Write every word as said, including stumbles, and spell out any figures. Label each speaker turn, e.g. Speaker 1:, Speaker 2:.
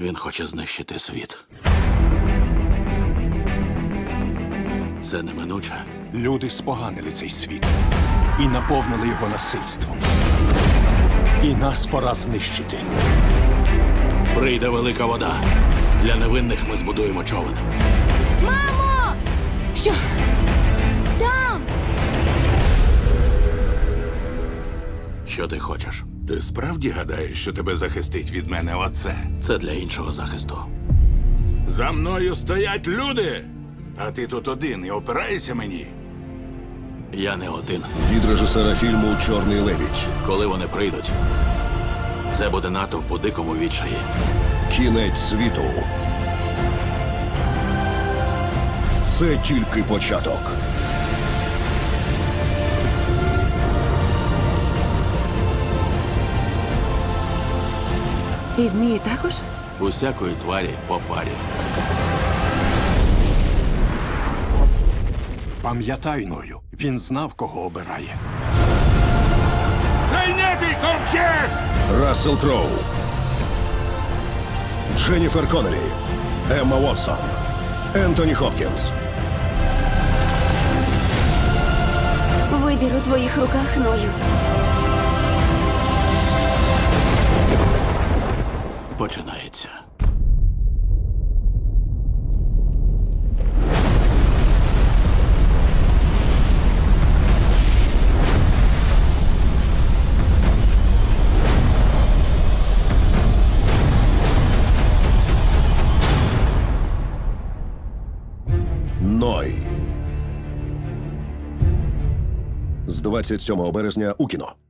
Speaker 1: Він хоче знищити світ. Це неминуче.
Speaker 2: Люди споганили цей світ і наповнили його насильством. І нас пора знищити.
Speaker 1: Прийде велика вода. Для невинних ми збудуємо човен.
Speaker 3: Мамо! Що? Там!
Speaker 1: Що ти хочеш?
Speaker 4: Ти справді гадаєш, що тебе захистить від мене оце?
Speaker 1: Це для іншого захисту.
Speaker 4: За мною стоять люди! А ти тут один і опираєшся мені?
Speaker 1: Я не один.
Speaker 5: Від режисера фільму «Чорний лебідь».
Speaker 1: Коли вони прийдуть, це буде натовп у дикому відчаї.
Speaker 5: Кінець світу. Це тільки початок.
Speaker 3: І змії також?
Speaker 1: Усякої тварі по парі.
Speaker 2: Пам'ятай, Ною, він знав, кого обирає.
Speaker 4: Зайнятий ковчег!
Speaker 5: Рассел Кроу. Дженніфер Коннелі. Емма Уотсон. Ентоні Хопкінс.
Speaker 3: Вибір у твоїх руках, Ною.
Speaker 1: Починається.
Speaker 5: Ной. З двадцять сьомого березня у кіно.